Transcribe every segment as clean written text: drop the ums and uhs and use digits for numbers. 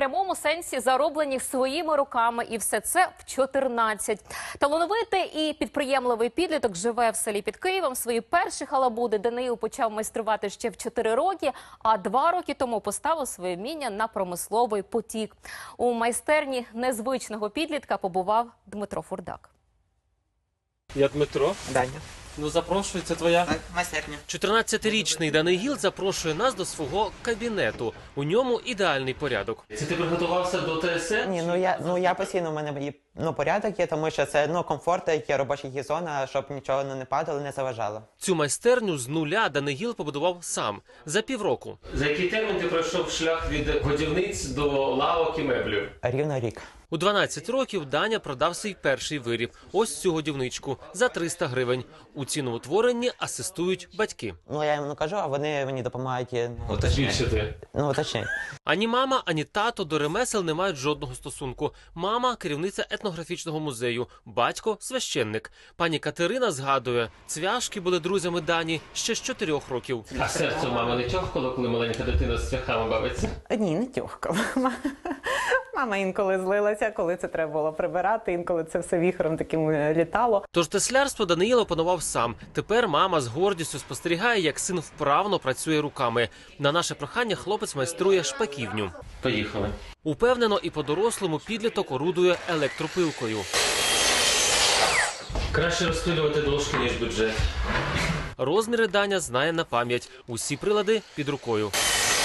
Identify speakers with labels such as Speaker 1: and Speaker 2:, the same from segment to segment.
Speaker 1: прямому сенсі зароблені своїми руками, і все це в 14. Талановитий і підприємливий підліток живе в селі під Києвом. Свої перші халабуди Даниїл почав майструвати ще в 4 роки, а 2 роки тому поставив своє вміння на промисловий потік. У майстерні незвичного підлітка побував Дмитро Фурдак.
Speaker 2: Я Дмитро.
Speaker 3: Даня.
Speaker 2: Ну, запрошую, це твоя.
Speaker 3: Так, майстерня.
Speaker 2: 14-річний Даниїл запрошує нас до свого кабінету. У ньому ідеальний порядок. Це ти приготувався до ТСН?
Speaker 3: Ні, я постійно, у мене є, порядок є, тому що це, комфорт, є робоча зона, щоб нічого не падало, не заважало.
Speaker 2: Цю майстерню з нуля Даниїл побудував сам за півроку. За який термін ти пройшов шлях від годівниць до лавок і меблів?
Speaker 3: Рівно рік.
Speaker 2: У 12 років Даня продав свій перший виріб. Ось цю годівничку за 300 гривень. У ціноутворенні асистують батьки.
Speaker 3: Я їм кажу, а вони мені допомагають.
Speaker 2: Уточнити.
Speaker 3: Уточнити.
Speaker 2: Ані мама, ані тато до ремесел не мають жодного стосунку. Мама – керівниця етнографічного музею, батько – священник. Пані Катерина згадує, цвяшки були друзями Дані ще з 4 років. А серце у мами не тьохкало, коли маленька дитина з цвяхами бавиться?
Speaker 4: Ні, не тьохкало. Мама інколи злилася, коли це треба було прибирати, інколи це все віхором таким літало.
Speaker 2: Тож теслярство Даниїл опанував сам. Тепер мама з гордістю спостерігає, як син вправно працює руками. На наше прохання хлопець майструє шпаківню. Поїхали. Упевнено і по-дорослому підліток орудує електропилкою. Краще розпилювати дошки, ніж бюджет. Розміри Даня знає на пам'ять. Усі прилади під рукою.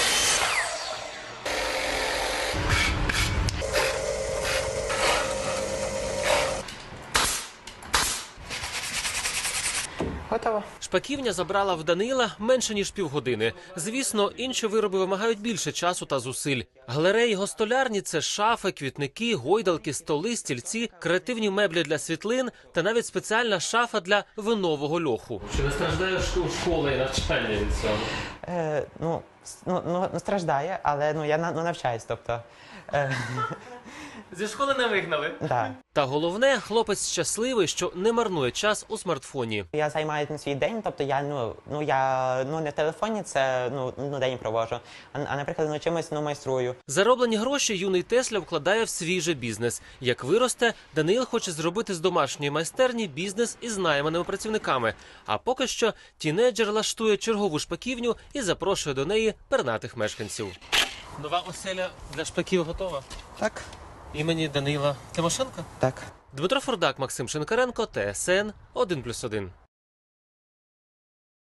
Speaker 3: Готово.
Speaker 2: Шпаківня забрала в Данила менше, ніж півгодини. Звісно, інші вироби вимагають більше часу та зусиль. Галереї гостолярні – це шафи, квітники, гойдалки, столи, стільці, креативні меблі для світлин та навіть спеціальна шафа для винового льоху. Чи не страждає школа і навчання від цього?
Speaker 3: Страждає, але я навчаюсь, тобто...
Speaker 2: Зі школи не вигнали?
Speaker 3: Да.
Speaker 2: Та головне, хлопець щасливий, що не марнує час у смартфоні.
Speaker 3: Я займаю свій день, тобто я не в телефоні, це день проводжу, а наприклад, чимось майструю.
Speaker 2: Зароблені гроші юний Тесля вкладає в свій же бізнес. Як виросте, Даниїл хоче зробити з домашньої майстерні бізнес із найманими працівниками. А поки що тінейджер лаштує чергову шпаківню і запрошує до неї пернатих мешканців. Нова оселя для шпаків готова?
Speaker 3: Так.
Speaker 2: Імені Данила Тимошенка?
Speaker 3: Так.
Speaker 2: Дмитро Фурдак, Максим Шинкаренко, ТСН 1+1.